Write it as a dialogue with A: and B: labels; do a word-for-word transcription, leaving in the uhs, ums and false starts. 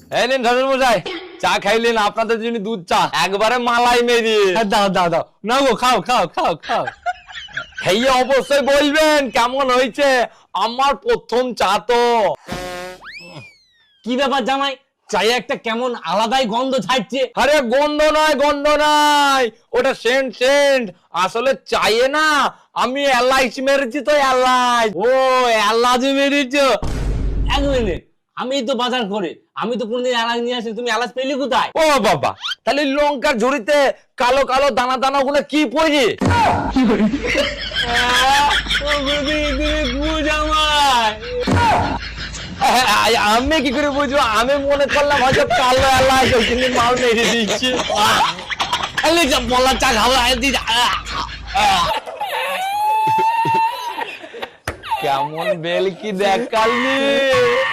A: এই নিন শ্বশুর মশাই, চা খাইলেন, আপনাদের জন্য দুধ চা একবারে মালাই মেরি।
B: দাও দাও দাও, না গো খাও খাও খাও খাও।
A: খেয়ে অবশ্যই বলবেন কেমন হয়েছে, আমার প্রথম চা তো।
B: কি ব্যাপার জামাই, চায়ে একটা কেমন আলাদাই গন্ধ ছাড়ছে।
A: আরে গন্ধ নয় গন্ধ নয়, ওটা সেন্ট সেন্ট। আসলে চাইয়ে না আমি এলাইচ মেরেছি তো, এলাইচ।
B: ও এলাচ মেরেছো? এক মিনিট, আমি তো বাজার করে, আমি তো কোনদিন এলাচ নিয়ে আসি, তুমি এলাচ পেলি কোথায়?
A: ও বাবা, তাহলে লঙ্কার ঝুড়িতে কালো কালো দানা দানা গুলো কি পড়ে? আমি কি করে বুঝবো? আমি মনে করলাম হয়তো কালো এলাচ ওইখানে মাল মেরে দিচ্ছি।
B: বলার চা খাবো।
A: কেমন বেল কি দেখালি।